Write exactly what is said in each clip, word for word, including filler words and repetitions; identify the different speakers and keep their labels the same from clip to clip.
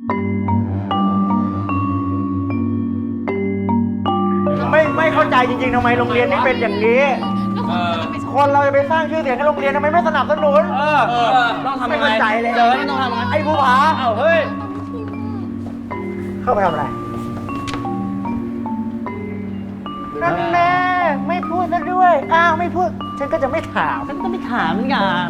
Speaker 1: ไม่ไม่เข้าใจจริงๆทำไมโรงเรียนนี้เป็นอย่างนี้คนเราจะไปสร้างชื่อเสียงให้โรงเรียนทำไมไม่สนับสนุนเออต้องทำยังไงไม่เข้าใจเลยเจอต้องทำยังไงไอ้ภูผาเอ้าเฮ้ยเข้าไปทำอะไรนั่นแน่ไม่พูดซะด้วยอ้าวไม่พูดฉันก็จะไม่ถามฉันก็ไม่ถามเหมือนกัน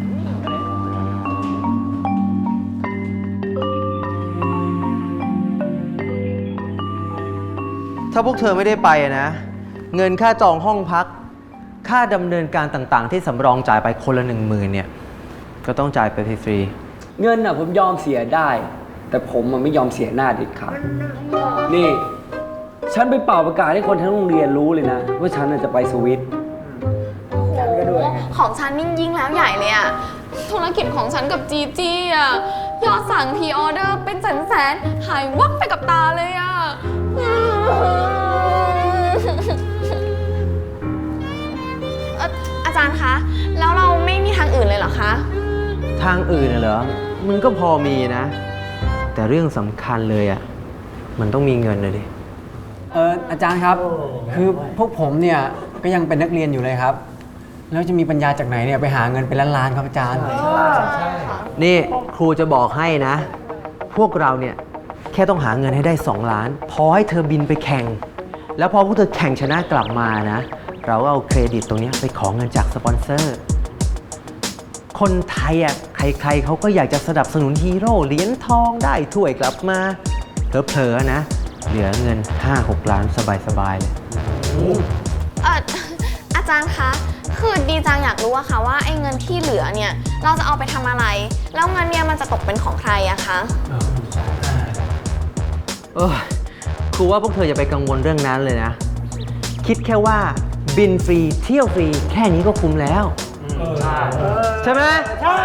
Speaker 2: ถ้าพวกเธอไม่ได้ไปนะเงินค่าจองห้องพักค่าดำเนินการต่างๆที่สำรองจ่ายไปคนละหนึ่งหมื่นเนี่ยก็ต้องจ่ายไปฟรี
Speaker 3: ๆเงินอ่ะผมยอมเสียได้ แต่ผมมันไม่ยอมเสียหน้าเด็ดขาดนี่ฉันไปเป่าประกาศให้คนทั้งโรงเรียนรู้เลยนะว่าฉันจะไปสวิต
Speaker 4: ของฉันยิ่งยิ่งแล้วใหญ่เลยอะธุรกิจของฉันกับจีจี้อะยอดสั่งพรีออเดอร์เป็นแสนแสนหายวับไปกับตาเลยอะอาจารย์คะแล้วเราไม่มีทางอื่นเลยเหรอคะ
Speaker 2: ทางอื่นเหรอมันก็พอมีนะแต่เรื่องสำคัญเลยอ่ะมันต้องมีเงินเลยดิ
Speaker 3: เอออาจารย์ครับคือพวกผมเนี่ยก็ยังเป็นนักเรียนอยู่เลยครับแล้วจะมีปัญญาจากไหนเนี่ยไปหาเงินเป็นล้านๆครับอาจารย์
Speaker 2: นี่ครูจะบอกให้นะพวกเราเนี่ยแค่ต้องหาเงินให้ได้สองล้านพอให้เธอบินไปแข่งแล้วพอพวกเธอแข่งชนะกลับมานะเราก็เอาเครดิตตรงนี้ไปขอเงินจากสปอนเซอร์คนไทยอ่ะใครๆเขาก็อยากจะสนับสนุนฮีโร่เหรียญทองได้ถ้วยกลับมาเผลอๆนะเหลือเงิน ห้าหก ล้านสบายๆเลย
Speaker 4: เอออาจารย์คะคือดีจังอยากรู้อะค่ะว่าไอ้เงินที่เหลือเนี่ยเราจะเอาไปทำอะไรแล้วเงินเนี่ยมันจะตกเป็นของใครอะคะ
Speaker 2: เออครูว่าพวกเธออย่าไปกังวลเรื่องนั้นเลยนะคิดแค่ว่าบินฟรีเที่ยวฟรีแค่นี้ก็คุ้มแล้วใช่ไหมใช่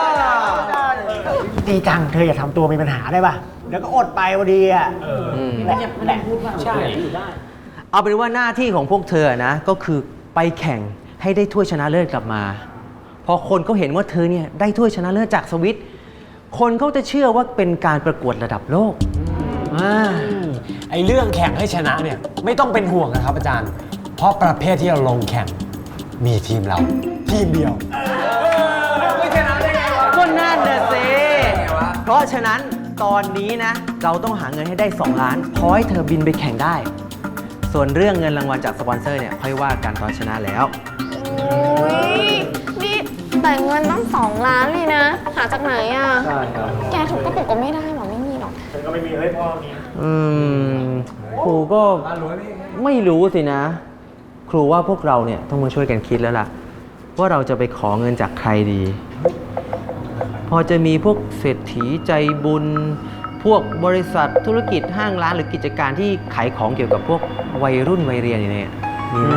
Speaker 1: ดีจังเธออย่าทำตัวมีปัญหาได้ป่ะแล้วก็อดไปพอดีอ่ะแหละแหละพูดว่าใช่
Speaker 2: เอาเป็นว่าหน้าที่ของพวกเธอนะก็คือไปแข่งให้ได้ถ้วยชนะเลิศกลับมาพอคนเขาเห็นว่าเธอเนี่ยได้ถ้วยชนะเลิศจากสวิตคนเขาจะเชื่อว่าเป็นการประกวดระดับโลก
Speaker 5: ไอ้เรื่องแข่งให้ชนะเนี่ยไม่ต้องเป็นห่วงนะครับอาจารย์เพราะประเภทที่เราลงแข่งมีทีมเราทีมเดียว
Speaker 2: ไม่ชนะได้ไงวะก็นั่นน่ะสิเพราะฉะนั้นตอนนี้นะเราต้องหาเงินให้ได้สองล้านพอให้เธอบินไปแข่งได้ส่วนเรื่องเงินรางวัลจากสปอนเซอร์เนี่ยค่อยว่ากันตอนชนะแล้ว
Speaker 4: โอ้ยนี่แต่เงินต้องสองล้านเลยนะหาจากไหนอ่ะใช่ครับแกถูกก็ปลุกก็ไม่ได้หรอกไม่มีหรอก
Speaker 1: ฉันก็ไม่มีเฮ้ยพ่อมี
Speaker 2: อืมครูก็ไม่รู้สินะครูว่าพวกเราเนี่ยต้องมาช่วยกันคิดแล้วล่ะว่าเราจะไปขอเงินจากใครดีพอจะมีพวกเศรษฐีใจบุญพวกบริษัทธุรกิจห้างร้านหรือกิจการที่ขายของเกี่ยวกับพวกวัยรุ่นวัยเรียนอย่างเนี้ยมีไหม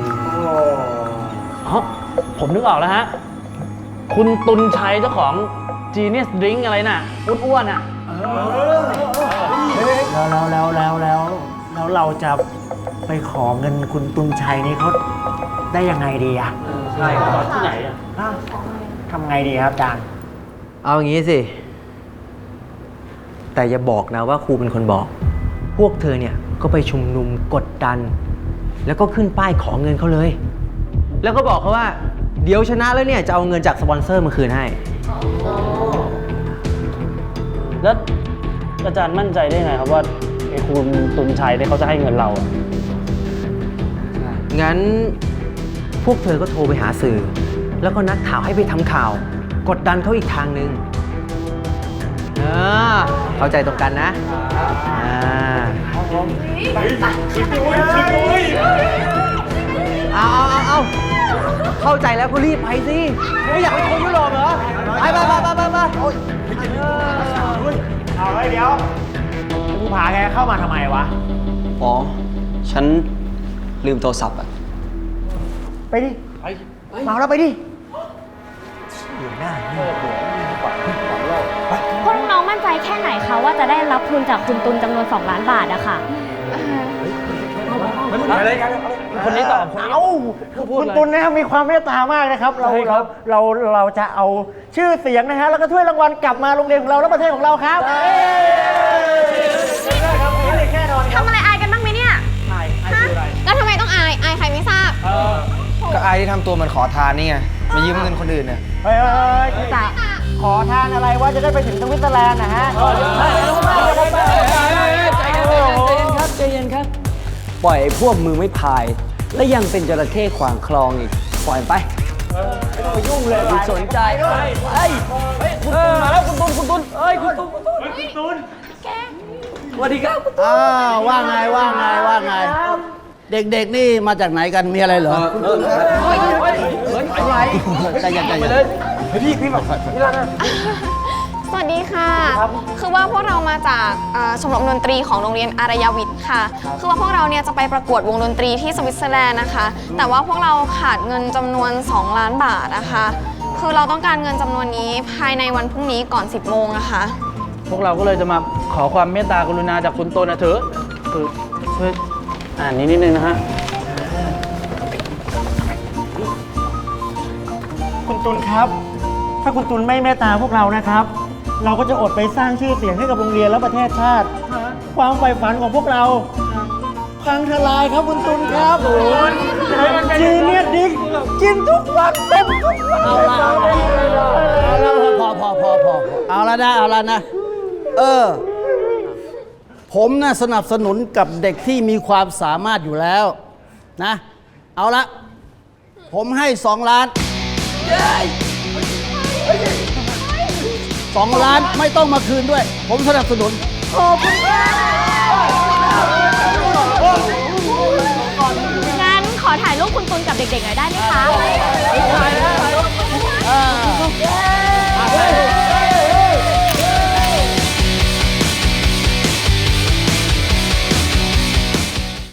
Speaker 6: อ๋อผมนึกออกแล้วฮะคุณตุลชัยเจ้าของ Genius Drink อะไรน่ะอ้วนๆอ่ะ
Speaker 1: แล้วแล้วแล้วแล้วแล้วเราจะไปขอเงินคุณตุลชัยนี่เขาได้ยังไงดีอะ
Speaker 6: ใช่ครับที่ไหนอะ
Speaker 1: ทำไงดีครับอาจารย์
Speaker 2: เอาอย่างนี้สิแต่อย่าบอกนะว่าครูเป็นคนบอกพวกเธอเนี่ยก็ไปชุมนุมกดดันแล้วก็ขึ้นป้ายขอเงินเขาเลยแล้วก็บอกเขาว่าเดี๋ยวชนะแล้วเนี่ยจะเอาเงินจากสปอนเซอร์มาคืนให้
Speaker 6: แล้วอาจารย์มั่นใจได้ไงครับว่าไอ้คุณตุลชัยเนี่ยเขาจะให้เงินเรา
Speaker 2: งั้นพวกเธอก็โทรไปหาสื่อแล้วก็นัดข่าวให้ไปทำข่าวกดดันเขาอีกทางนึงเออเข้าใจตรงกันนะอ่าเอาเอาเอาเข้าใจแล้วก็รีบไปสิไม่อยากไปทัวร์ยุโรปเหรอไปไปไปไปไป
Speaker 1: เอาไว้เดี๋ยวภูผาแกเข้ามาทำไมวะ
Speaker 3: อ๋อฉันลืมโทรศัพท์อะ
Speaker 1: ไปดิเมาแล้วไปดิอยู่หน้า
Speaker 7: พวกน้องมั่นใจแค่ไหนคะว่าจะได้รับทุนจากคุณตุลจำนวนสองล้านบาทอะค่ะ
Speaker 6: คนนี้ตอบ
Speaker 1: เอ้าคุณตุลนะครับมีความเมตตามากนะครับเราเราเราเราจะเอาชื่อเสียงนะฮะแล้วก็ถ้วยรางวัลกลับมาโรงเรียนของเราและประเทศของเราครับ
Speaker 2: ายที่ทำตัวเหมือนขอทานนี่ไงมายืมเงินคนอื่นเนี่ย
Speaker 1: เฮ้ยขอทานอะไรว่าจะได้ไปถึงสวิตเซอร์แลนด์นะฮะ
Speaker 3: ใจเย็นครับใจเย็นครับ ปล่อยไอ้พวกมือไม่พาย และยังเป็นจระเข้ขวางคลองอีก ปล่อยไปไม่ต้องไปยุ่งเลยไม่สนใจเฮ้ยคุณตุนมาแล้วคุณตุนคุณตุนเอ้ยคุณตุนคุณตุนคุณตุนสวัสดีครับคุณตุน
Speaker 8: อ้าวว่าไงว่าไงว่าไง เด็กๆนี่มาจากไหนกันมีอะไรเหรอ
Speaker 3: เฮ้ยเฮ้ยเฮ้ยอะไร
Speaker 8: ใจเย็นใจเย็น
Speaker 4: สวัสดีค่ะ คือว่าพวกเรามาจากเอ่อชมรมดนตรีของโรงเรียนอารยวิทย์ค่ะ คือว่าพวกเราเนี่ยจะไปประกวดวงดนตรีที่สวิตเซอร์แลนด์นะคะ แต่ว่าพวกเราขาดเงินจำนวน สอง ล้านบาทนะคะ คือเราต้องการเงินจำนวนนี้ภายในวันพรุ่งนี้ก่อน สิบ โมงนะคะ
Speaker 6: พวกเราก็เลยจะมาขอความเมตตากรุณาจากคุณตนนะเถอะคือช่วยอ่านนี้นิดนึงนะฮะ
Speaker 1: คุณตุลครับ ถ้าคุณตุลไม่เมตตาพวกเรานะครับ เราก็จะอดไปสร้างชื่อเสียงให้กับโรงเรียนและประเทศชาติ ความใฝ่ฝันของพวกเราพังทลายครับคุณตุลครับจีเนียสดิกกินทุกวันเต็มทุกวัน
Speaker 8: เอาละเอาละพอพอพอพอเอาละนะเอาละนะ เออ ผมน่ะสนับสนุนกับเด็กที่มีความสามารถอยู่แล้วนะ เอาละ ผมให้สองล้านสองล้านไม่ต้องมาคืนด้วย ผมสนับสนุน
Speaker 7: งั้นขอถ่ายรูปคุณตุลกับเด็กๆหน่อยได้ไหมคะ
Speaker 8: อ่า